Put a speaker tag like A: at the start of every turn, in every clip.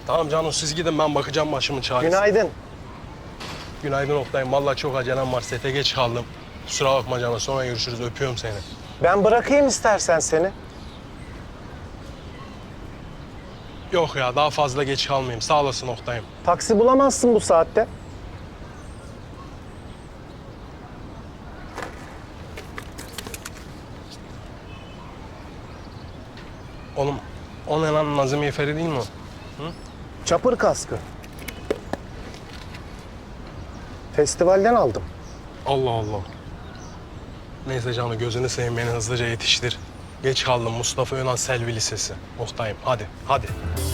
A: Tamam canım siz gidin ben bakacağım başımın çaresine.
B: Günaydın.
A: Günaydın Oktay'ım. Vallahi çok acelem var. Sete geç kaldım. Kusura bakma canım. Sonra görüşürüz. Öpüyorum seni.
B: Ben bırakayım istersen seni.
A: Yok ya daha fazla geç kalmayayım. Sağ olasın Oktay'ım.
B: Taksi bulamazsın bu saatte.
A: Oğlum o ne lan Nazım Yeferi değil mi o?
B: Çapır kaskı. Festivalden aldım.
A: Allah Allah. Neyse canım gözünü seveyim beni hızlıca yetiştir. Geç kaldım Mustafa Önal Selvi Lisesi. Oktay'ım hadi hadi.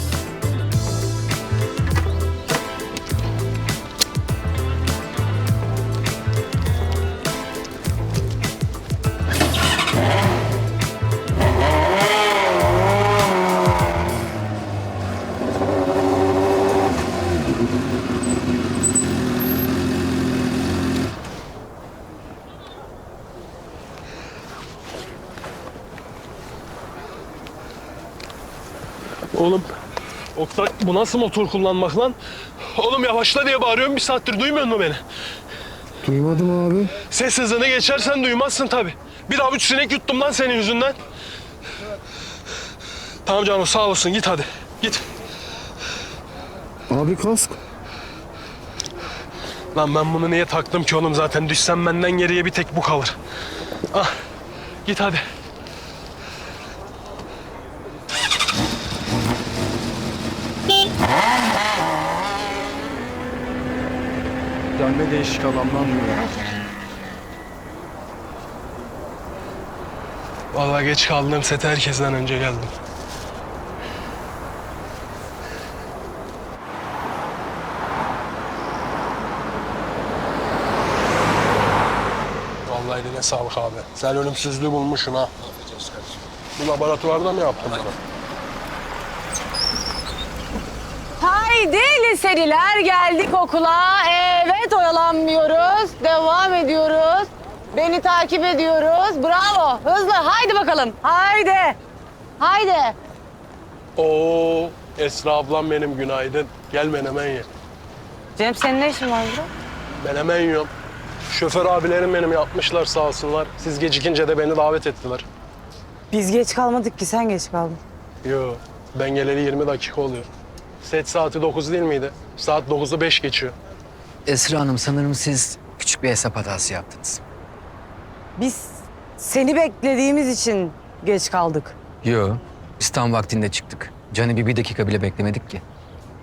A: Oğlum, Oktay bu nasıl motor kullanmak lan? Oğlum yavaşla diye bağırıyorum bir saattir duymuyor musun beni?
C: Duymadım abi.
A: Ses hızını geçersen duymazsın tabii. Bir avuç sinek yuttum lan senin yüzünden. Tamam canım sağ olasın git hadi git.
C: Abi kask.
A: Lan ben bunu niye taktım ki oğlum zaten düşsem benden geriye bir tek bu kalır. Ah git hadi.
C: Ya ne değişik adam lan bu ya.
A: Vallahi geç kaldım sete herkesten önce geldim. Vallahi eline sağlık abi. Sen ölümsüzlüğü bulmuşsun ha. Bu laboratuvarda mı yaptın bunu?
D: Haydi liseliler geldik okula. Evet oyalanmıyoruz. Devam ediyoruz. Beni takip ediyoruz. Bravo. Hızlı. Haydi bakalım. Haydi. Haydi.
A: Oo, Esra ablam benim günaydın. Gel menemen ye.
D: Cem senin ne işin var burada?
A: Menemen yiyorum. Şoför abilerim benim yapmışlar sağ olsunlar. Siz gecikince de beni davet ettiler.
D: Biz geç kalmadık ki sen geç kaldın.
A: Yo, ben geleli 20 dakika oluyor. Set saati 9 değil miydi? Saat 9'u 5 geçiyor.
E: Esra Hanım sanırım siz küçük bir hesap hatası yaptınız.
D: Biz seni beklediğimiz için geç kaldık.
E: Yo, biz tam vaktinde çıktık. Can'ı bir dakika bile beklemedik ki.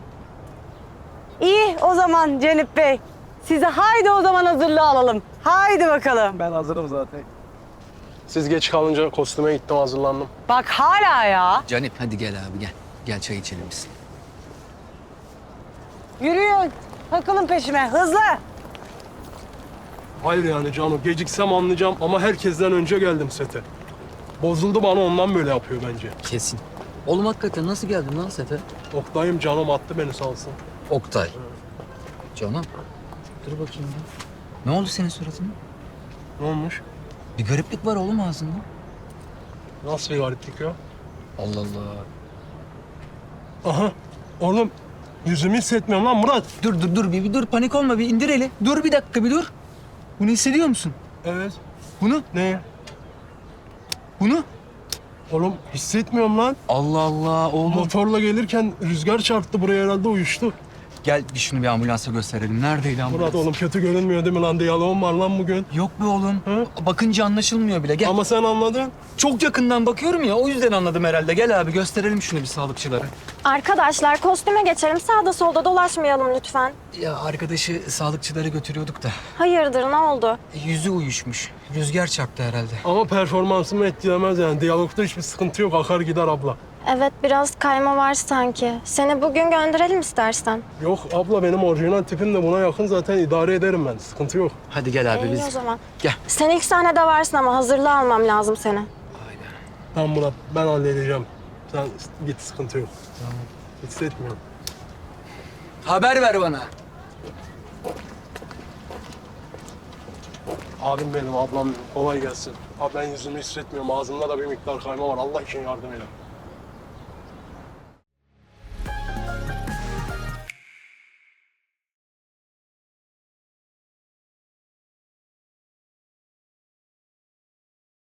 D: İyi o zaman Cenip Bey. Size haydi o zaman hazırlığı alalım. Haydi bakalım.
B: Ben hazırım zaten.
A: Siz geç kalınca kostüme gittim hazırlandım.
D: Bak hala ya.
E: Canip hadi gel abi gel. Gel çay içelim biz.
D: Yürüyün. Takılın peşime. Hızlı.
A: Hayır yani canım geciksem anlayacağım ama herkesten önce geldim sete. Bozuldu bana ondan böyle yapıyor bence.
E: Kesin. Oğlum hakikaten nasıl geldin lan sete?
A: Oktay'ım canım attı beni sağ olsun.
E: Oktay. Canım. Dur bakayım ya. Ne oldu senin suratına?
A: Ne olmuş?
E: Bir gariplik var oğlum ağzında.
A: Nasıl bir gariplik ya?
E: Allah Allah.
A: Aha oğlum yüzümü hissetmiyorum lan Murat.
E: Dur bir dur panik olma bir indir eli. Dur bir dakika bir dur. Bunu hissediyor musun?
A: Evet.
E: Bunu?
A: Ne?
E: Bunu?
A: Oğlum hissetmiyorum lan.
E: Allah Allah oğlum.
A: Motorla gelirken rüzgar çarptı buraya herhalde uyuştu.
E: Gel bir şunu bir ambulansa gösterelim. Neredeydi ambulans?
A: Murat oğlum kötü görünmüyor değil mi lan? Diyaloğum var lan bugün.
E: Yok be oğlum.
A: Hı?
E: Bakınca anlaşılmıyor bile. Gel.
A: Ama sen anladın.
E: Çok yakından bakıyorum ya o yüzden anladım herhalde. Gel abi gösterelim şunu bir sağlıkçılara.
F: Arkadaşlar kostüme geçelim. Sağda solda dolaşmayalım lütfen.
E: Ya arkadaşı sağlıkçılara götürüyorduk da.
F: Hayırdır ne oldu?
E: Yüzü uyuşmuş. Rüzgar çarptı herhalde.
A: Ama performansımı etkilemez yani. Diyalogda hiçbir sıkıntı yok. Akar gider abla.
F: Evet biraz kayma var sanki. Seni bugün gönderelim istersen.
A: Yok abla benim orijinal tipim de buna yakın zaten idare ederim ben. Sıkıntı yok.
E: Hadi gel abi
F: İyi
E: biz.
F: o zaman.
E: Gel.
F: Sen ilk sahnede varsın ama hazırlığı almam lazım seni.
A: Tamam Murat ben halledeceğim. Sen git sıkıntı yok. Tamam. Hissetmiyorum.
E: Haber ver bana.
A: Abim benim, ablam benim. Kolay gelsin. Abi ben yüzümü hissetmiyorum. Ağzımda da bir miktar kayma var. Allah için yardım edin.